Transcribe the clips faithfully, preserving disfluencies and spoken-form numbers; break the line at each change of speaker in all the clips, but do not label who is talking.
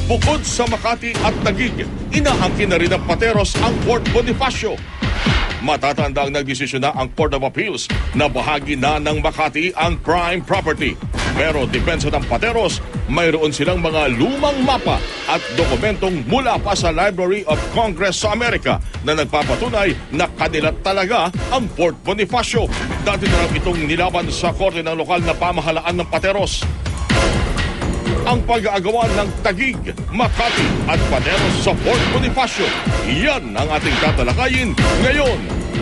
Bukod sa Makati at Taguig, inaangkin na rin ng Pateros ang Fort Bonifacio. Matatanda ang nagdesisyon na ang Court of Appeals na bahagi na ng Makati ang prime property. Pero depensa ng Pateros, mayroon silang mga lumang mapa at dokumentong mula pa sa Library of Congress sa Amerika na nagpapatunay na kanila talaga ang Fort Bonifacio. Dati na lang itong nilaban sa korte ng lokal na pamahalaan ng Pateros. Ang pag-aagawan ng Taguig, Makati at Pateros sa Fort Bonifacio. Yan ang ating tatalakayin ngayon.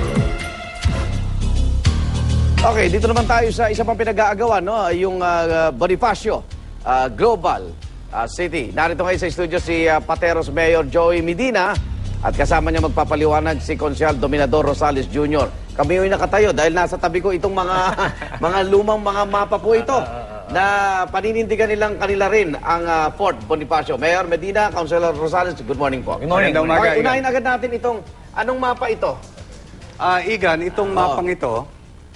Okay, dito naman tayo sa isa pang pinag-aagawan, no? Yung uh, Bonifacio uh, Global uh, City. Narito ngayon sa studio si uh, Pateros Mayor Joey Medina at kasama niya magpapaliwanag si Konsyal Dominador Rosales Junior Kami yung nakatayo dahil nasa tabi ko itong mga mga lumang mga mapa po ito na paninindigan nilang kanila rin ang uh, Fort Bonifacio. Mayor Medina, Councilor Rosales, good morning po.
Good morning.
Okay,
Umaga,
okay, unahin agad natin itong, anong mapa ito?
Ah, Igan, itong mapang ito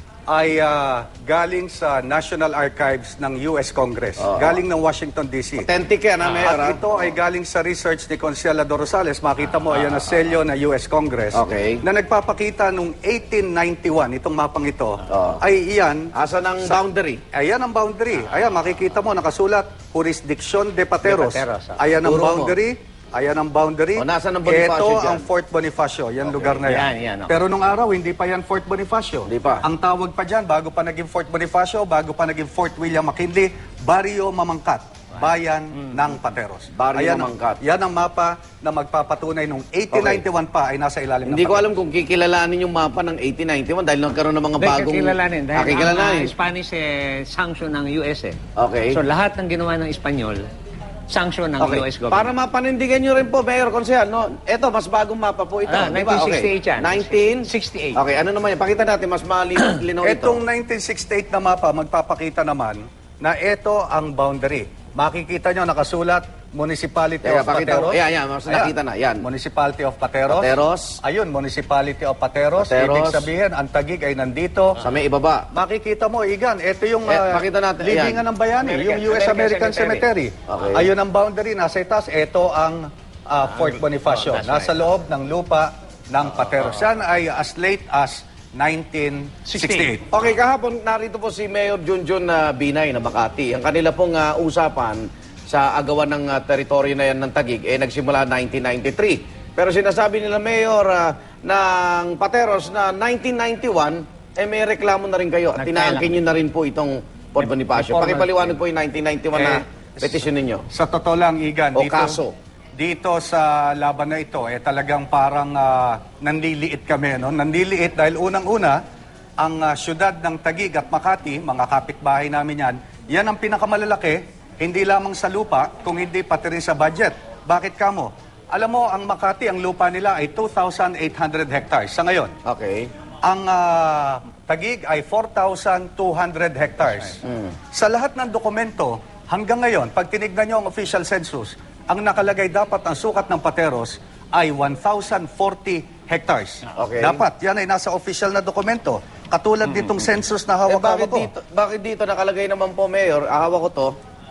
ay ah, galing sa National Archives ng U S Congress. Galing ng Washington, D C.
Authentic yan, ha, Mayor?
At
ha?
ito ay galing sa research ni Consialador Rosales. Makita mo, ayan na selyo na U S Congress.
Okay.
Na nagpapakita nung eighteen ninety-one, itong mapang ito,
Oo.
ay iyan.
Asan ang
Sa-
boundary?
Ayan ang boundary. Ayan, makikita mo, nakasulat, Jurisdiction de Pateros.
De Pateros, ah.
Ayan ang
Turo mo.
boundary. Ayan ang boundary.
O, nasaan ang Bonifacio
Ito
dyan?
ang Fort Bonifacio. Yan lugar na yan.
Yan, yan, okay.
Pero nung araw, hindi pa yan Fort Bonifacio.
Hindi pa.
Ang tawag pa dyan, bago pa naging Fort Bonifacio, bago pa naging Fort William McKinley, Barrio Mamangkat, bayan ng Pateros.
Barrio
Ayan ang-
Mamangkat.
Yan ang mapa na magpapatunay nung eighteen ninety-one pa ay nasa ilalim
Hindi
ng
ko
Pateros.
alam kung kikilalanin yung mapa ng eighteen ninety-one dahil nagkaroon ng mga
Hindi,
bagong...
kilalanin. Dahil
Ah, kikilalanin.
ang uh, Spanish eh, sanction ng U S eh.
Okay.
So lahat ng ginawa ng Espanyol, sanction ng
Okay.
U S government.
Para mapanindigan nyo rin po, Mayor Consehal, no? Ito, mas bagong mapa po ito.
Ah,
di ba?
nineteen sixty-eight yan.
nineteen
sixty-eight.
Okay, ano naman yan? Pakita natin, mas malinaw linaw ito.
Etong nineteen sixty-eight na mapa, magpapakita naman na ito ang boundary. Makikita nyo, nakasulat, Municipality
Teka,
of
pakita mo.
Pateros.
Ayan, yan, mas nakita na, yan.
Municipality of Pateros.
Pateros.
Ayun, Municipality of Pateros.
Pateros.
Ibig sabihin, ang Taguig ay nandito.
Sa may ibaba.
Makikita mo, Igan, ito yung
Eh,
ah,
pakita natin,
libingan
ayan.
ng bayani,
American-
yung U S American,
American
Cemetery.
Okay.
Ayun ang boundary, nasa itas. Ito ang ah, Fort Bonifacio.
oh, that's
nasa
right.
loob ng lupa ng Pateros. Yan ay as late as nineteen sixty-eight.
Okay, kahapon narito po si Mayor Junjun na Binay na Makati. Ang kanila pong ah, usapan sa agawan ng ah, teritoryo na yan ng Taguig, eh nagsimula nineteen ninety-three. Pero sinasabi nila, Mayor, ah, ng Pateros na nineteen ninety-one, eh may reklamo na rin kayo at
Nagkailang.
tinaangkin nyo na rin po itong Fort Bonifacio.
Informal-
Pakipaliwanag po yung nineteen ninety-one na
Eh,
petisyon ninyo.
Sa totoo lang, Igan,
O
dito,
kaso.
dito sa laban na ito, eh talagang parang ah, nanliliit kami. No? Nanliliit dahil unang-una, ang ah, syudad ng Taguig at Makati, mga kapitbahay namin yan, yan ang pinakamalalaki, hindi lamang sa lupa, kung hindi pati rin sa budget. Bakit kamo? Alam mo, ang Makati, ang lupa nila ay two thousand eight hundred hectares sa ngayon.
Okay.
Ang ah, Taguig ay four thousand two hundred hectares. Sa lahat ng dokumento, hanggang ngayon, pag tinignan nyo ang official census, ang nakalagay dapat ang sukat ng Pateros ay one thousand forty hectares.
Okay.
Dapat, yan ay nasa official na dokumento. Katulad ditong census
Eh,
na
bakit
hawak-hawak ko.
dito, bakit dito nakalagay naman po, Mayor, ahawak ko to,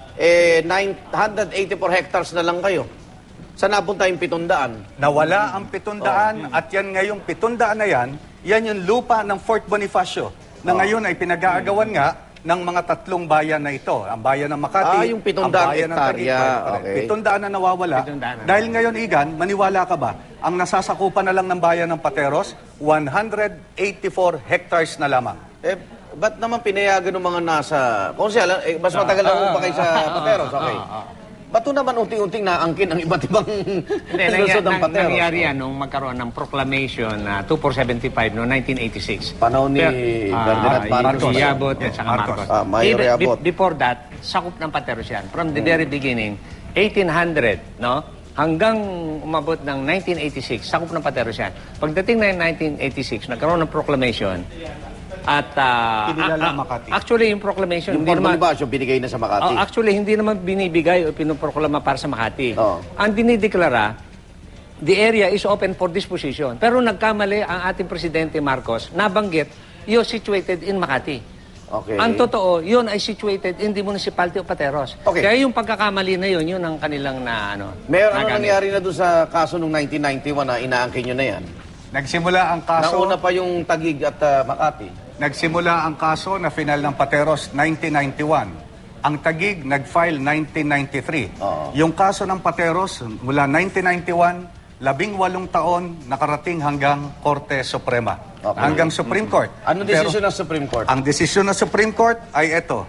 eh, nine hundred eighty-four hectares na lang kayo. Saan napunta yung pitundaan?
Nawala ang pitundaan at yan ngayong pitundaan na yan, yan yung lupa ng Fort Bonifacio na ngayon ay pinag-aagawan nga ng mga tatlong bayan na ito. Ang bayan ng Makati,
Ah, yung pitundaan
ang bayan ng Taguig.
hektarya,
Correct.
okay.
Pitundaan na nawawala.
Pitundaan na
Dahil ngayon, Igan, maniwala ka ba? Ang nasasakupan na lang ng bayan ng Pateros, one hundred eighty-four hectares na lamang.
Eh, ba't naman pinayagan ng mga nasa... Kung siya, eh, mas matagal na po pa kayo sa Pateros, okay. Ba't to naman unti-unting naangkin ang iba't ibang
Hindi,
lusod ng
nangyari,
Pateros?
nangyari yan nung magkaroon ng proclamation na twenty-four seventy-five no nineteen eighty-six.
Panahon ni Ferdinand Marcos.
Si Yabot at saka
Marcos.
Marcos.
Ah, Mayor
Even-
Yabot.
be- Before that, sakop ng Pateros yan. From the very beginning, eighteen hundred, no? Hanggang umabot ng nineteen eighty-six, sakop ng Pateros yan. Pagdating na nineteen eighty-six, nagkaroon ng proclamation at ah,
Kinilala
ah, ah,
Makati.
actually yung proclamation
Yung
hindi
Fort
naman
Bonifacio, binigay na sa Makati.
Oh, actually, hindi naman binibigay o pinoproklama para sa Makati.
Oo.
Ang dinideklara, the area is open for disposition. Pero nagkamali ang ating Presidente Marcos, nabanggit, you're situated in Makati.
Okay.
Ang totoo, yun ay situated in the municipality of Pateros.
Okay.
Kaya yung pagkakamali na yun, yun ang kanilang na ano.
Mayor, ano
nagamit.
nangyari na doon sa kaso noong nineteen ninety-one na inaangkin nyo na yan?
Nagsimula ang kaso,
Nauna pa yung Taguig at ah, Makati.
nagsimula ang kaso na final ng Pateros nineteen ninety-one. Ang Taguig nag-file nineteen ninety-three.
Oo.
Yung kaso ng Pateros mula nineteen ninety-one, labing walong taon nakarating hanggang Korte Suprema.
Okay.
Hanggang Supreme Court.
Ano
Pero
desisyon ng Supreme Court?
ang desisyon ng Supreme Court ay ito.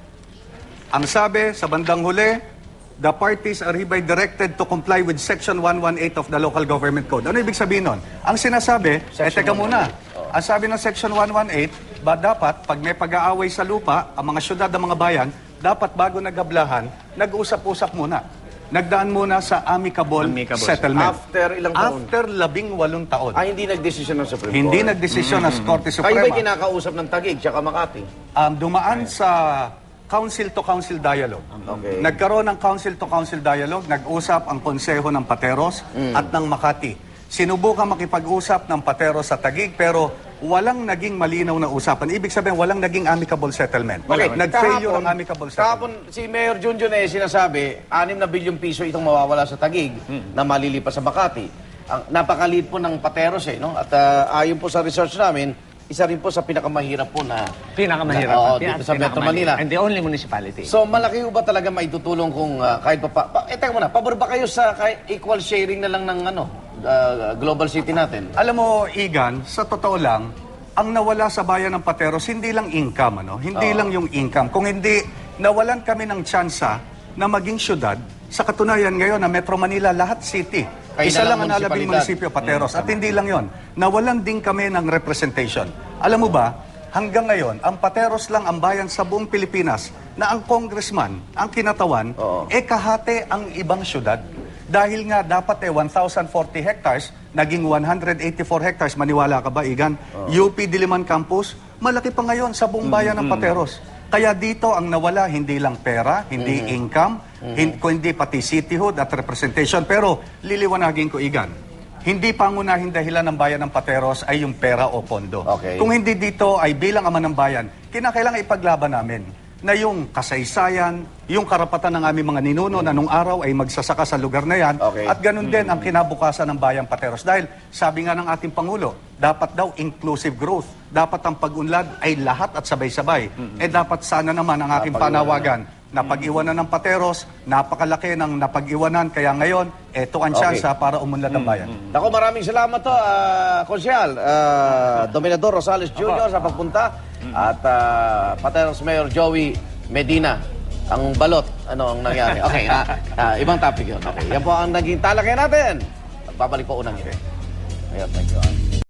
Ang sabi sa bandang huli, the parties are hereby directed to comply with Section one eighteen of the Local Government Code. Ano ibig sabihin nun? Ang sinasabi, eh
Section
teka muna,
one eighteen.
ang sabi ng Section one eighteen, ba dapat pag may pag-aaway sa lupa, ang mga syudad ng mga bayan, dapat bago nagablahan, nag-usap-usap muna. Nagdaan muna sa amicable,
Amicable.
settlement.
After ilang taon?
After labing walong taon.
Ah, hindi nagdesisyon ng Supreme
Hindi
Court.
nagdesisyon ng Korte
Kayo
Suprema.
ba'y kinakausap ng Taguig tsaka Makati?
um, dumaan sa council-to-council dialogue.
Okay.
Nagkaroon ng council-to-council dialogue, nag-usap ang Konseho ng Pateros at ng Makati. Sinubukan makipag-usap ng Pateros sa Taguig pero walang naging malinaw na usapan. Ibig sabihin, walang naging amicable settlement. Nag-failure ang amicable
Kahapon,
settlement.
si Mayor Junjun eh sinasabi, anim na bilyong piso itong mawawala sa Taguig na malilipas sa Makati. Ang napakaliit po ng Pateros eh, no? At ah, ayon po sa research namin, isa rin po sa pinakamahirap po na...
Pinakamahirap.
Oo,
Pina-
dito sa Metro
pinakamahirap.
Manila.
And the only municipality.
So, malaki po ba talaga maitutulong kung ah, kahit pa... pa, pa eh, teka muna, pabor ba kayo sa kahit equal sharing na lang ng ano, ah, global city natin?
Alam mo, Igan, sa totoo lang, ang nawala sa bayan ng Pateros, hindi lang income, ano? Hindi lang yung income. Kung hindi, nawalan kami ng tsansa na maging syudad. Sa katunayan ngayon na Metro Manila, lahat city.
Kayo
Isa
na lang
lang ang nalabing
munisipalidad.
munisipyo, Pateros. At hindi lang yon. Nawalan din kami ng representation. Alam mo ba, hanggang ngayon, ang Pateros lang ang bayan sa buong Pilipinas na ang congressman, ang kinatawan,
Oo.
eh kahate ang ibang syudad. Dahil nga dapat eh one thousand forty hectares, naging one hundred eighty-four hectares. Maniwala ka ba, Igan? U P Diliman Campus, malaki pa ngayon sa buong bayan ng Pateros. Kaya dito ang nawala, hindi lang pera, hindi income, hin- kundi pati cityhood at representation. Pero liliwanagin ko, Igan, hindi pangunahing dahilan ng bayan ng Pateros ay yung pera o pondo.
Okay.
Kung hindi dito ay bilang ama ng bayan, kinakailangan ipaglaban namin na yung kasaysayan, yung karapatan ng aming mga ninuno na nung araw ay magsasaka sa lugar na yan,
Okay.
at ganun din ang kinabukasan ng bayang Pateros. Dahil sabi nga ng ating Pangulo, dapat daw inclusive growth. Dapat ang pag-unlad ay lahat at sabay-sabay. Eh dapat sana naman ang aking panawagan na pag-iwanan ng Pateros, napakalaki ng napag-iwanan. Kaya ngayon, eto ang
Okay.
tsansa para umunlad ang bayan.
Ako, maraming salamat to, uh, Konsyal, ah, Dominador Rosales Junior sa pagpunta at ah, Pateros Mayor Joey Medina. Ang balot, ano ang nangyari? Okay, na, ah, ibang topic yun. Okay, yan po ang naging talakay natin. Babalik po unang ito. Ayun, thank you.